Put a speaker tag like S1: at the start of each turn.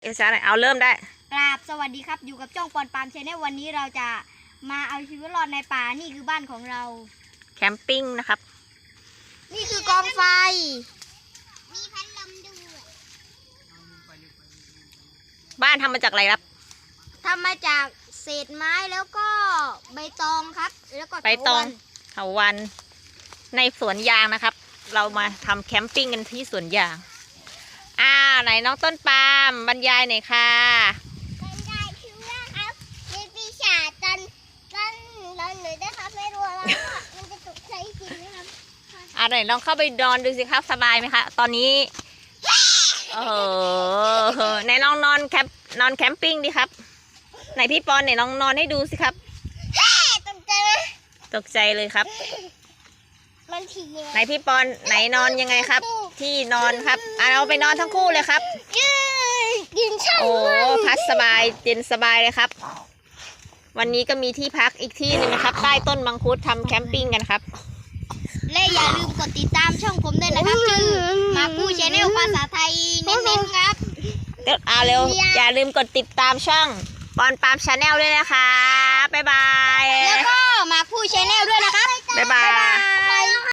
S1: ช้าหน่อยเอาเริ่มได้
S2: กราบสวัสดีครับอยู่กับจ้องปอนปามชาแนลวันนี้เราจะมาเอาชีวิตรอดในป่านี่คือบ้านของเรา
S1: แคมปิ้งนะครับ
S2: นี่คือกองไฟมีพัดลมด้วย
S1: บ้านทำมาจากอะไรครับ
S2: ทำมาจากเศษไม้แล้วก็ใบตองครับแล้วก็
S1: ใบตองเถาวัลย์ในสวนยางนะครับเรามาทำแคมปิ้งกันที่สวนยางไหนน้องต้นปาล์มบรรยายหน่อยค่ะ
S2: บรรยายคือว่าครับมีปีศาจตอนเราหนูได้ครับไม่รู้แล้วว่ามันจะตกใจจริงไหมครับ
S1: ไหนลองเข้าไปนอนดูสิครับสบายไหมคะตอนนี้ไหนลองนอนแคมปิ้งดิครับไหนพี่ปอนไหนลองนอนให้ดูสิครับ
S2: ตกใจไหม
S1: ตกใจเลยครับ
S2: มันถี่
S1: ไหนพี่ปอนไหนนอนยังไงครับที่นอนครับเราไปนอนทั้งคู่เลยครับ
S2: กินช่าง
S1: พักสบายเย็นสบายเลยครับวันนี้ก็มีที่พักอีกที่หนึ่งนะครับใต้ต้นมังคุดทำแคมปิ้งกันครับ
S2: และอย่าลืมกดติดตามช่องผมด้วยนะครับชื่อมาคูชาแนลภาษาไทยเน้นๆครับ
S1: เร็วอย่าลืมกดติดตามช่องปอนปามชาแนลด้วยนะคะบ๊ายบาย
S2: แล้วก็มาคูชาแนลด้วยนะครับ
S1: บ๊ายบาย